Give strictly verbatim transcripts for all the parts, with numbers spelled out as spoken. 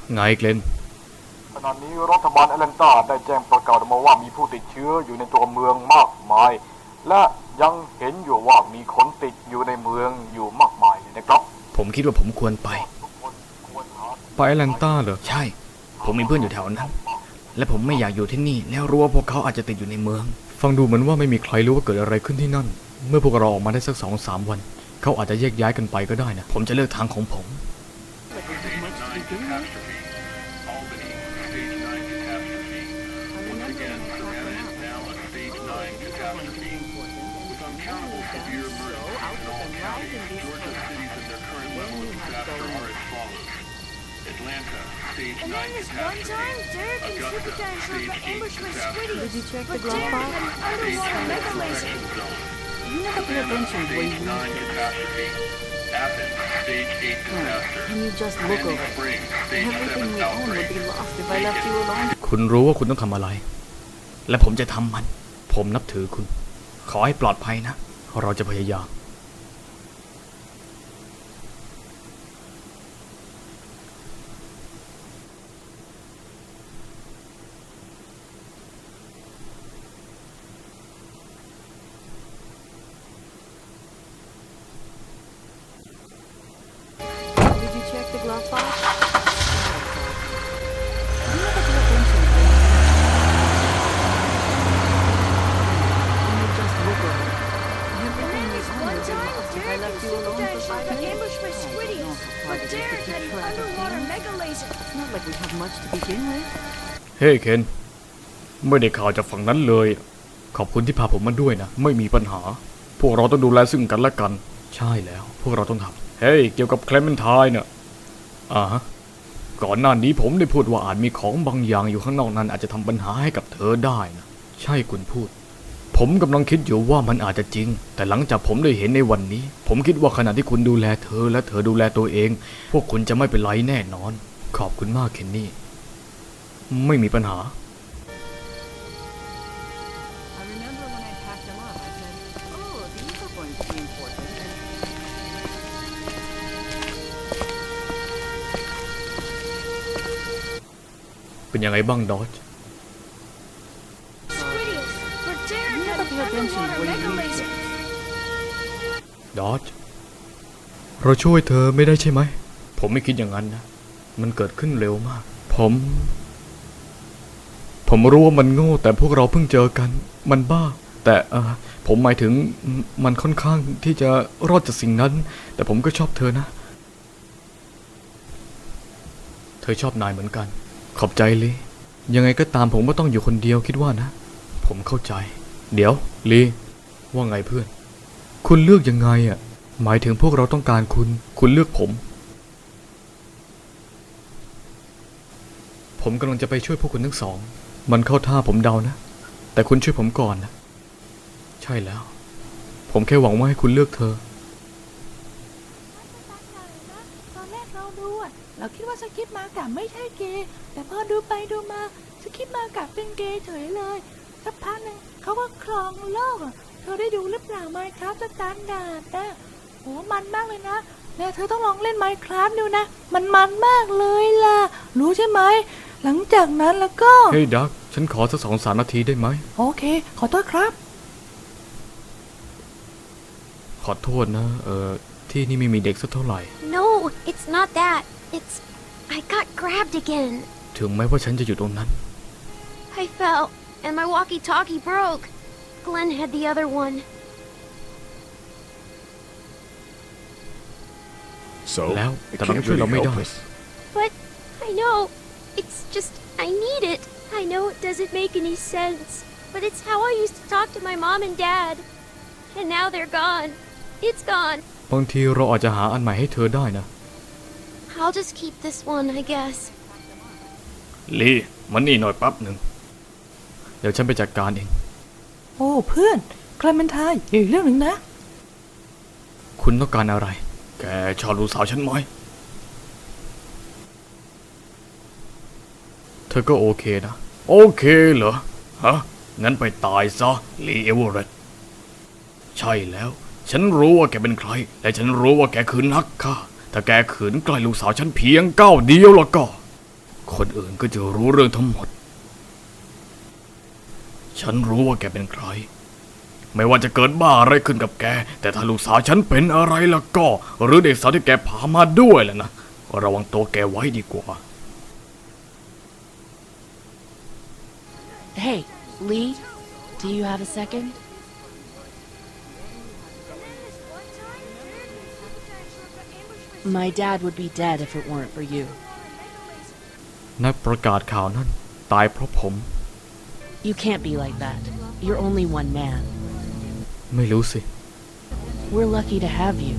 ไงเกลนขณะนี้รัฐบาลแอตแลนตาได้แจ้งประกาศออกมาว่ามีผู้ติดเชื้ออยู่ในตัวเมืองมากมายและยังเห็นอยู่ว่ามีคนติดอยู่ในเมืองอยู่มากมายนะครับผมคิดว่าผมควรไปไปแอตแลนตาเหรอใช่ผมมีเพื่อนอยู่แถวนั้นและผมไม่อยากอยู่ที่นี่แล้วรู้ว่าพวกเขาอาจจะติดอยู่ในเมืองฟังดูเหมือนว่าไม่มีใครรู้ว่าเกิดอะไรขึ้นที่นั่นเมื่อพวกเราออกมาได้สักสองสามวันเขาอาจจะแยกย้ายกันไปก็ได้นะผมจะเลือกทางของผม And then this one time, Derek and Supergiant showed the ambushman Squiddy. Did you check the glove box? Underwater mega laser. You never pay attention when you read Can you just look over it? Everything we own would be lost if I left you alone. คุณรู้ว่าคุณต้องทำอะไรและผมจะทำมันผมนับถือคุณขอให้ปลอดภัยนะเราจะพยายามเฮ้ยเคนไม่ได้ข่าวจากฝั่งนั้นเลยขอบคุณที่พาผมมาด้วยนะไม่มีปัญหาพวกเราต้องดูแลซึ่งกันและกันใช่แล้วพวกเราต้องทำเฮ้ยเกี่ยวกับแคลเมนไทน์เนี่ยอ่าฮะก่อนหน้านี้ผมได้พูดว่าอาจมีของบางอย่างอยู่ข้างนอกนั้นอาจจะทำปัญหาให้กับเธอได้นะใช่คุณพูดผมกำลังคิดอยู่ว่ามันอาจจะจริงแต่หลังจากผมได้เห็นในวันนี้ผมคิดว่าขณะที่คุณดูแลเธอและเธอดูแลตัวเองพวกคุณจะไม่เป็นไรแน่นอนขอบคุณมากเคนนี่ไม่มีปัญหาเป็นยังไงบ้างดอจดอจเราช่วยเธอไม่ได้ใช่ไหมผมไม่คิดอย่างนั้นนะมันเกิดขึ้นเร็วมากผมผมรู้ว่ามันโง่แต่พวกเราเพิ่งเจอกันมันบ้าแต่เออผมหมายถึงมันค่อนข้างที่จะรอดจากสิ่งนั้นแต่ผมก็ชอบเธอนะเธอชอบนายเหมือนกันขอบใจลียังไงก็ตามผมก็ต้องอยู่คนเดียวคิดว่านะผมเข้าใจเดี๋ยวลีว่าไงเพื่อนคุณเลือกยังไงอ่ะหมายถึงพวกเราต้องการคุณคุณเลือกผมผมกำลังจะไปช่วยพวกคุณทั้งสองมันเข้าท่าผมเดานะแต่คุณช่วยผมก่อนนะใช่แล้วผมแค่หวังว่าให้คุณเลือกเธอตอนแรกเราดูอ่ะเราคิดว่าสกิปมากะไม่ใช่เกย์แต่พอดูไปดูมาสกิปมากะเป็นเกย์เฉยเลยสักพักหนึ่งเขาก็ครองโลกอ่ะเธอได้ดูหรือเปล่าไมค์ครับสแตนดาร์ดนะโหมันมากเลยนะแล้วเธอต้องลองเล่นไมค์ครับดูนะมันมันมากเลยล่ะรู้ใช่ไหมหลังจากนั้นแล้วก็เฮ้ยดักฉันขอสักสองสามนาทีได้ไหมโอเคขอโทษครับขอโทษนะเออที่นี่ไม่มีเด็กสักเท่าไหร่ No it's not that it's I got grabbed again ถึงแม้ว่าฉันจะอยู่ตรงนั้น I fell and my walkie-talkie broke Glenn had the other one So แล้วแต่เราช่วยเราไม่ได้ But I know it's just I need it I know it doesn't make any sense but it's how I used to talk to my mom and dad and now they're gone it's gone บางทีเราอาจจะหาอันใหม่ให้เธอได้นะ I'll just keep this one I guess ลีมันนี่หน่อยแป๊บหนึ่งเดี๋ยวฉันไปจัดการเองโอ้เพื่อนแคลเมนไทน์อีกเรื่องหนึ่งนะคุณต้องการอะไรแกชอบลูกสาวฉันไหมเธอก็โอเคนะโอเคเหรอฮะงั้นไปตายซะลีเอเวอเรตต์ใช่แล้วฉันรู้ว่าแกเป็นใครและฉันรู้ว่าแกคือนักฆ่าถ้าแกขืนใกล้ลูกสาวฉันเพียงก้าวเดียวแล้วก็คนอื่นก็จะรู้เรื่องทั้งหมด ฉันรู้ว่าแกเป็นใคร ไม่ว่าจะเกิดบ้าอะไรขึ้นกับแก แต่ถ้าลูกสาวฉันเป็นอะไรล่ะก็ หรือเด็กสาวที่แกพามาด้วยแหละนะ ระวังตัวแกไว้ดีกว่า Hey, Lee, do you have a second? My dad would be dead if it weren't for you. นักประกาศข่าวนั้นตายเพราะผม You can't be like that. You're only one man. ไม่รู้สิ We're lucky to have you.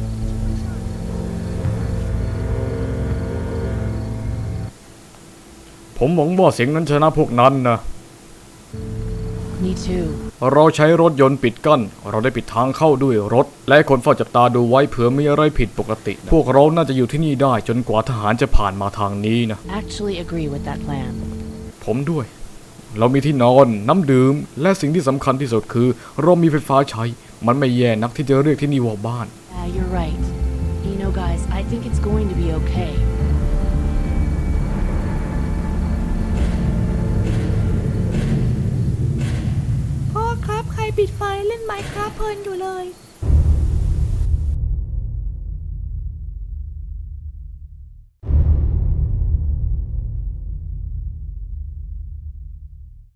ผมหวังว่าเสียงนั้นชนะพวกนั้นนะ Me too. เราใช้รถยนต์ปิดกั้น เราได้ปิดทางเข้าด้วยรถ และคนเฝ้าจับตาดูไว้เผื่อมีอะไรผิดปกตินะพวกเราน่าจะอยู่ที่นี่ได้จนกว่าทหารจะผ่านมาทางนี้นะ Actually agree with that plan. ผมด้วย เรามีที่นอน น้ำดื่ม และสิ่งที่สำคัญที่สุดคือ เรามีไฟฟ้าใช้ มันไม่แย่นักที่จะเรียกที่นี่ว่าบ้าน Yeah, you're right. You know, guys, I think it's going to be okay.